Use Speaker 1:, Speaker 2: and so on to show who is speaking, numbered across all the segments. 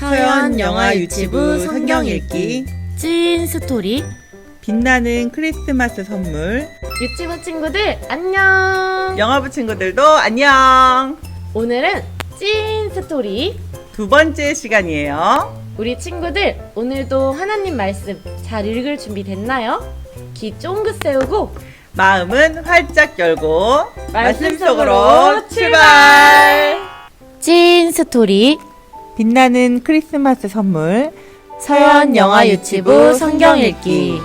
Speaker 1: 서연 영화 유치부 성경 읽기
Speaker 2: 찐 스토리
Speaker 1: 빛나는 크리스마스 선물.
Speaker 2: 유치부 친구들 안녕.
Speaker 1: 영화부 친구들도 안녕.
Speaker 2: 오늘은 찐 스토리
Speaker 1: 두 번째 시간이에요.
Speaker 2: 우리 친구들 오늘도 하나님 말씀 잘 읽을 준비 됐나요? 귀 쫑긋 세우고
Speaker 1: 마음은 활짝 열고
Speaker 2: 말씀
Speaker 1: 속으로 출발.
Speaker 2: 찐 스토리
Speaker 1: 빛나는 크리스마스 선물.
Speaker 2: 서연 영화 유치부 성경 읽기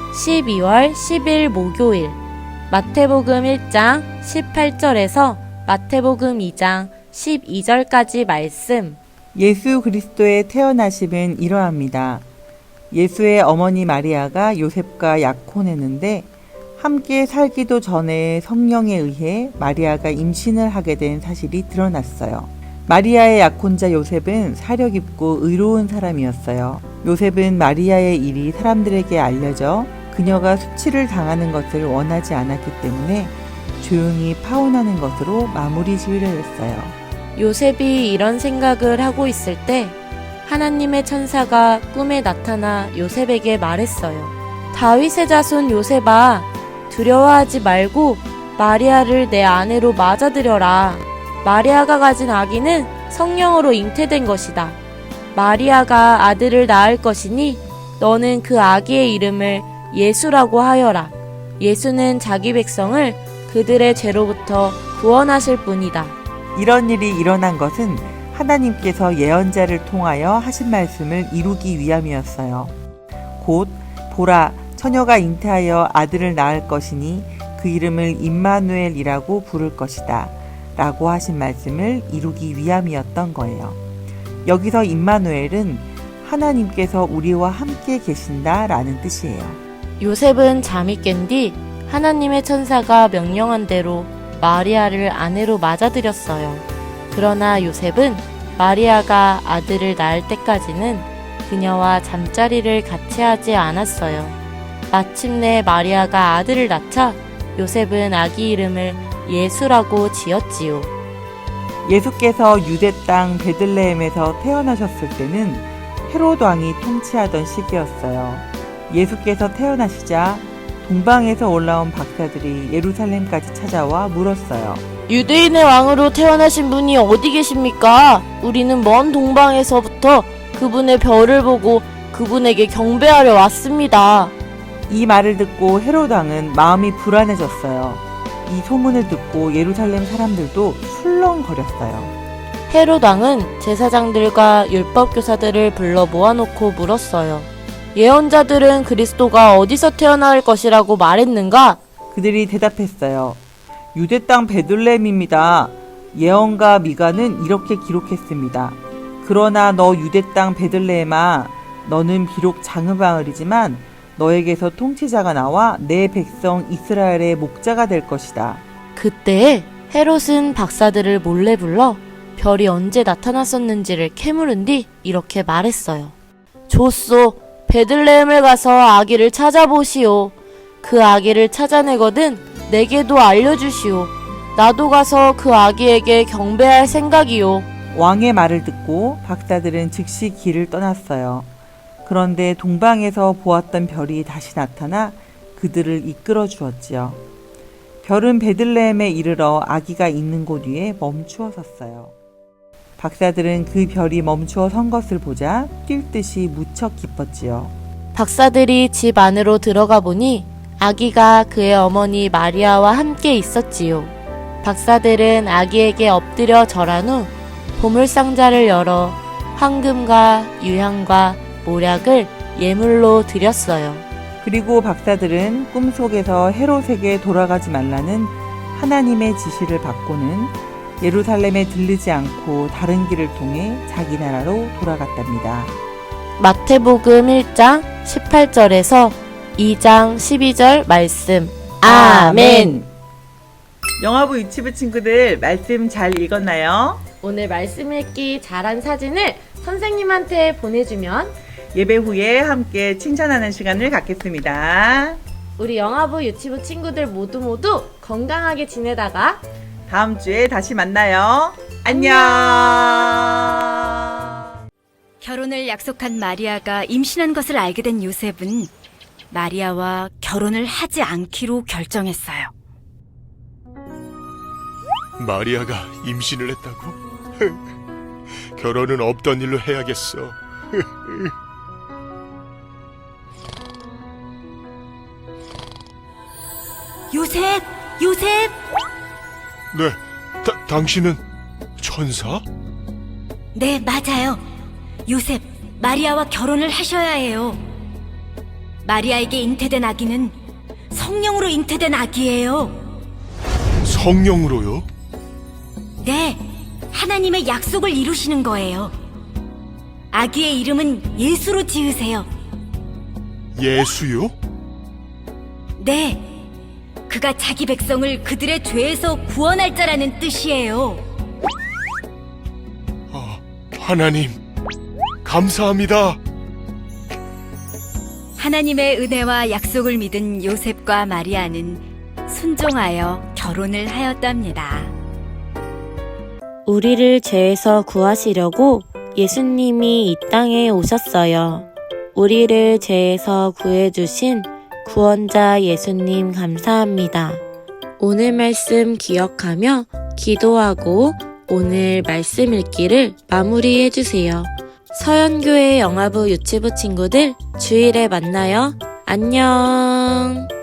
Speaker 2: 12월 10일 목요일 마태복음 1장 18절에서 마태복음 2장 12절까지 말씀.
Speaker 1: 예수 그리스도의 태어나심은 이러합니다. 예수의 어머니 마리아가 요셉과 약혼했는데 함께 살기도 전에 성령에 의해 마리아가 임신을 하게 된 사실이 드러났어요. 마리아의 약혼자 요셉은 사려 깊고 의로운 사람이었어요. 요셉은 마리아의 일이 사람들에게 알려져 그녀가 수치를 당하는 것을 원하지 않았기 때문에 조용히 파혼하는 것으로 마무리 지으려 했어요.
Speaker 2: 요셉이 이런 생각을 하고 있을 때 하나님의 천사가 꿈에 나타나 요셉에게 말했어요. 다윗의 자손 요셉아, 두려워하지 말고 마리아를 내 아내로 맞아들여라. 마리아가 가진 아기는 성령으로 잉태된 것이다. 마리아가 아들을 낳을 것이니 너는 그 아기의 이름을 예수라고 하여라. 예수는 자기 백성을 그들의 죄로부터 구원하실 분이다.
Speaker 1: 이런 일이 일어난 것은 하나님께서 예언자를 통하여 하신 말씀을 이루기 위함이었어요. 곧 보라, 처녀가 잉태하여 아들을 낳을 것이니 그 이름을 임마누엘이라고 부를 것이다 라고 하신 말씀을 이루기 위함이었던 거예요. 여기서 임마누엘은 하나님께서 우리와 함께 계신다 라는 뜻이에요.
Speaker 2: 요셉은 잠이 깬 뒤 하나님의 천사가 명령한 대로 마리아를 아내로 맞아들였어요. 그러나 요셉은 마리아가 아들을 낳을 때까지는 그녀와 잠자리를 같이 하지 않았어요. 마침내 마리아가 아들을 낳자 요셉은 아기 이름을 예수라고 지었지요.
Speaker 1: 예수께서 유대 땅 베들레헴에서 태어나셨을 때는 헤롯 왕이 통치하던 시기였어요. 예수께서 태어나시자 동방에서 올라온 박사들이 예루살렘까지 찾아와 물었어요.
Speaker 2: 유대인의 왕으로 태어나신 분이 어디 계십니까? 우리는 먼 동방에서부터 그분의 별을 보고 그분에게 경배하려 왔습니다.
Speaker 1: 이 말을 듣고 헤롯 왕은 마음이 불안해졌어요. 이 소문을 듣고 예루살렘 사람들도 술렁거렸어요.
Speaker 2: 헤롯 왕은 제사장들과 율법교사들을 불러 모아놓고 물었어요. 예언자들은 그리스도가 어디서 태어날 것이라고 말했는가?
Speaker 1: 그들이 대답했어요. 유대 땅 베들레헴입니다. 예언가 미가는 이렇게 기록했습니다. 그러나 너 유대 땅 베들레헴아, 너는 비록 작은 마을이지만 너에게서 통치자가 나와 내 백성 이스라엘의 목자가 될 것이다.
Speaker 2: 그때 헤롯은 박사들을 몰래 불러 별이 언제 나타났었는지를 캐물은 뒤 이렇게 말했어요. 좋소, 베들레헴을 가서 아기를 찾아보시오. 그 아기를 찾아내거든 내게도 알려주시오. 나도 가서 그 아기에게 경배할 생각이오.
Speaker 1: 왕의 말을 듣고 박사들은 즉시 길을 떠났어요. 그런데 동방에서 보았던 별이 다시 나타나 그들을 이끌어 주었지요. 별은 베들레헴에 이르러 아기가 있는 곳 위에 멈추어 섰어요. 박사들은 그 별이 멈추어 선 것을 보자 뛸 듯이 무척 기뻤지요.
Speaker 2: 박사들이 집 안으로 들어가 보니 아기가 그의 어머니 마리아와 함께 있었지요. 박사들은 아기에게 엎드려 절한 후 보물상자를 열어 황금과 유향과 모략을 예물로 드렸어요.
Speaker 1: 그리고 박사들은 꿈속에서 헤롯에게 돌아가지 말라는 하나님의 지시를 받고는 예루살렘에 들르지 않고 다른 길을 통해 자기 나라로 돌아갔답니다.
Speaker 2: 마태복음 1장 18절에서 2장 12절 말씀. 아멘.
Speaker 1: 영화부 유치부 친구들 말씀 잘 읽었나요?
Speaker 2: 오늘 말씀 읽기 잘한 사진을 선생님한테 보내주면
Speaker 1: 예배 후에 함께 칭찬하는 시간을 갖겠습니다.
Speaker 2: 우리 영화부 유치부 친구들 모두 건강하게 지내다가
Speaker 1: 다음 주에 다시 만나요. 안녕.
Speaker 3: 결혼을 약속한 마리아가 임신한 것을 알게 된 요셉은 마리아와 결혼을 하지 않기로 결정했어요.
Speaker 4: 마리아가 임신을 했다고? 결혼은 없던 일로 해야겠어.
Speaker 3: 요셉! 요셉!
Speaker 4: 네, 당신은 천사?
Speaker 3: 네, 맞아요. 요셉, 마리아와 결혼을 하셔야 해요. 마리아에게 잉태된 아기는 성령으로 잉태된 아기예요.
Speaker 4: 성령으로요?
Speaker 3: 네, 하나님의 약속을 이루시는 거예요. 아기의 이름은 예수로 지으세요.
Speaker 4: 예수요?
Speaker 3: 네, 그가 자기 백성을 그들의 죄에서 구원할 자라는 뜻이에요.
Speaker 4: 하나님, 감사합니다.
Speaker 3: 하나님의 은혜와 약속을 믿은 요셉과 마리아는 순종하여 결혼을 하였답니다.
Speaker 2: 우리를 죄에서 구하시려고 예수님이 이 땅에 오셨어요. 우리를 죄에서 구해주신 구원자 예수님 감사합니다. 오늘 말씀 기억하며 기도하고 오늘 말씀 읽기를 마무리해주세요. 서연교회 영화부 유치부 친구들 주일에 만나요. 안녕.